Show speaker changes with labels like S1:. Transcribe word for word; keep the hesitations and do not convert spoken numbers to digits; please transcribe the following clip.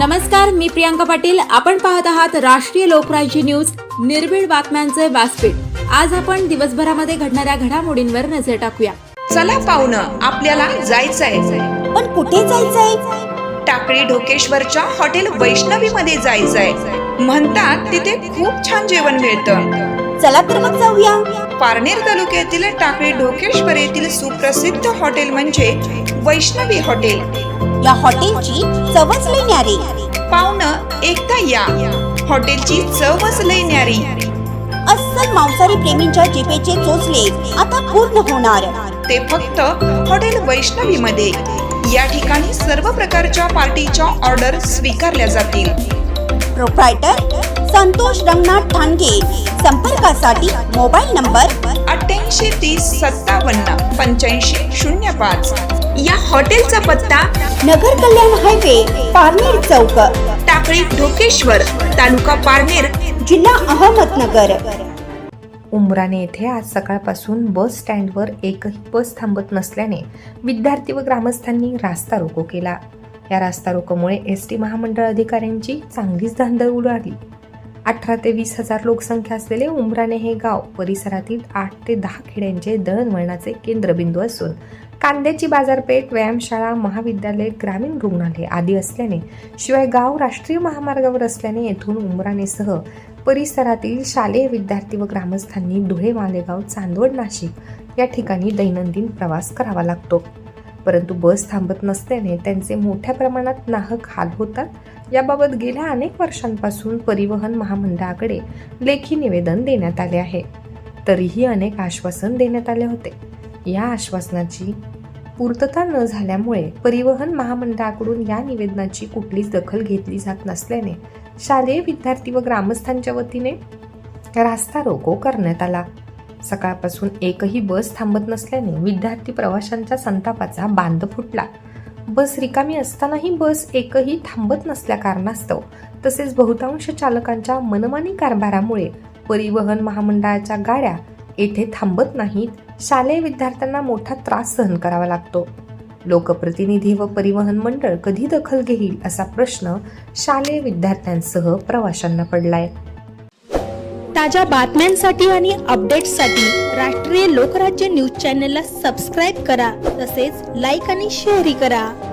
S1: नमस्कार, मी प्रियांका पाटील. आपण पाहत आहात राष्ट्रीय लोकराज्य न्यूज, निर्भीड बातम्यांचे व्यासपीठ. आज आपण दिवसभरामध्ये घडणाऱ्या घडामोडींवर नजर टाकूया.
S2: चला पाहुणं, आपल्याला जायचंय.
S3: पण कुठे जायचंय?
S2: टाकळी ढोकेश्वरच्या हॉटेल वैष्णवी मध्ये जायचंय. म्हणतात तिथे खूप छान जेवण मिळतं.
S3: चला तर मग जाऊया.
S2: पारनेर तालुक्यातील टाकळी ढोकेश्वर येथील सुप्रसिद्ध हॉटेल म्हणजे वैष्णवी हॉटेल.
S3: या हॉटेलची चवच लई न्यारी.
S2: पाहुणं, एकदा या. हॉटेलची चवच लई न्यारी.
S3: अस्सल मांसाहारी प्रेमींच्या जिभेचे चोचले आता पूर्ण होणार.
S2: ते फक्त हॉटेल वैष्णवी मध्ये. या ठिकाणी सर्व प्रकारच्या पार्टीच्या ऑर्डर स्वीकारल्या जातील.
S3: प्रोप्रायटर संतोष रंगनाथ ठाणगे. संपर्कासाठी मोबाईल नंबर
S2: अठ्ठ्याऐंशी तीस सत्तावन्न पंच्याऐंशी शून्य पाच. या हॉटेलचा पत्ता
S3: नगर कल्याण हायवे, पारनेर चौक,
S2: टाकळी ढोकेश्वर, तालुका पारनेर,
S3: जिल्हा अहमदनगर.
S4: उमराणे येथे आज सकाळपासून बस स्टँडवर एकही बस थांबत नसल्याने विद्यार्थी व ग्रामस्थांनी रास्ता रोको केला. या रास्ता रोकोमुळे एस टी महामंडळ अधिकाऱ्यांची चांगलीच धांदळ उडाली. अठरा ते वीस हजार लोकसंख्या असलेले उमराणे हे गाव परिसरातील आठ ते दहा खेड्यांचे दळणवळणाचे केंद्रबिंदू असून कांद्याची बाजारपेठ, व्यायामशाळा, महाविद्यालय, ग्रामीण रुग्णालय आदी असल्याने, शिवाय गाव राष्ट्रीय महामार्गावर असल्याने येथून उमराणेसह परिसरातील शालेय विद्यार्थी व ग्रामस्थांनी धुळे, मालेगाव, चांदवड, नाशिक या ठिकाणी दैनंदिन प्रवास करावा लागतो. परंतु बस थांबत नसल्याने त्यांचे मोठ्या प्रमाणात नाहक हाल होतात. याबाबत गेल्या अनेक वर्षांपासून परिवहन महामंडळाकडे लेखी निवेदन देण्यात आले आहे. तरीही अनेक आश्वासन देण्यात आले होते. या आश्वासनाची पूर्तता न झाल्यामुळे परिवहन महामंडळाकडून या निवेदनाची कुठलीच दखल घेतली जात नसल्याने शालेय विद्यार्थी व ग्रामस्थांच्या वतीने रास्ता रोको करण्यात आला. सकाळपासून एकही बस थांबत नसल्याने विद्यार्थी प्रवाशांच्या संतापाचा बांध फुटला. बस रिकामी असतानाही बस एकही थांबत नसल्या कारणास्तव तसेच बहुतांश चालकांच्या मनमानी कारभारामुळे परिवहन महामंडळाच्या गाड्या येथे थांबत नाहीत. शालेय विद्यार्थ्यांना मोठा त्रास सहन करावा लागतो. लोकप्रतिनिधी व परिवहन मंडळ कधी दखल घेईल असा प्रश्न शालेय विद्यार्थ्यांसह प्रवाशांना पडलाय.
S5: ताज्या बातम्यांसाठी आणि अपडेट्ससाठी राष्ट्रीय लोकराज्य न्यूज चॅनलला सबस्क्राईब करा. तसेच लाईक आणि शेअरही करा.